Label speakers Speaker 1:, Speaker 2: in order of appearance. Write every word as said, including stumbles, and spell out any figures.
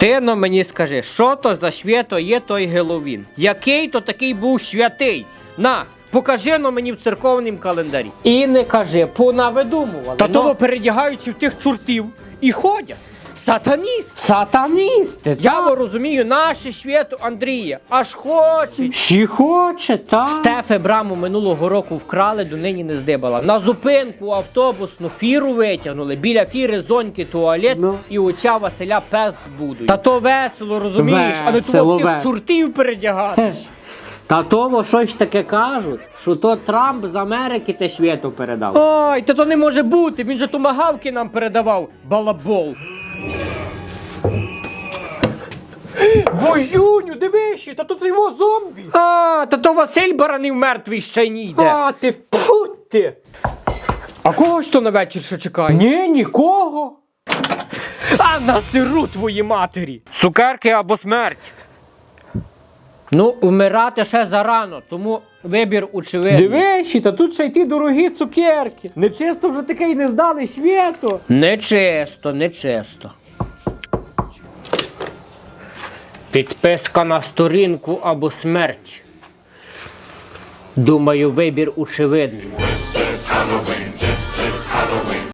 Speaker 1: Ти но мені скажи, що то за свято є той Геловін? Який то такий був святий? На, покажи но мені в церковнім календарі. І не кажи, понавидумували. Та
Speaker 2: но-
Speaker 1: того передягаючи в тих чортів і ходять. Сатаніст!
Speaker 2: Сатаністи,
Speaker 1: Я во розумію, наше свято Андрія аж хоче.
Speaker 2: Ще хоче, так?
Speaker 1: Стефе браму минулого року вкрали, до нині не здибала. На зупинку автобусну фіру витягнули, біля фіри зоньки туалет
Speaker 2: Ну.
Speaker 1: і оча Василя пес збудуть. Та то весело, розумієш, а не
Speaker 2: Весело,
Speaker 1: того в тих
Speaker 2: весело.
Speaker 1: чортів передягати.
Speaker 2: Та того щось таке кажуть, що то Трамп з Америки те свято передав.
Speaker 1: Ой, та то не може бути, він же томагавки нам передавав, балабол. Божуню, дивишся, та тут його зомбі. А, та то Василь Баранів мертвий ще й не йде.
Speaker 2: А ти пути!
Speaker 1: А кого ж то на вечір ще чекає?
Speaker 2: Ні, нікого.
Speaker 1: А на сиру твої матері! Цукерки або смерть. Ну, вмирати ще зарано, тому вибір очевидний.
Speaker 2: Дивишся, та тут ще й ті дорогі цукерки. Нечисто вже таке й не здали свято.
Speaker 1: Нечисто, нечисто. Підписка на сторінку або смерть. Думаю, вибір очевидний.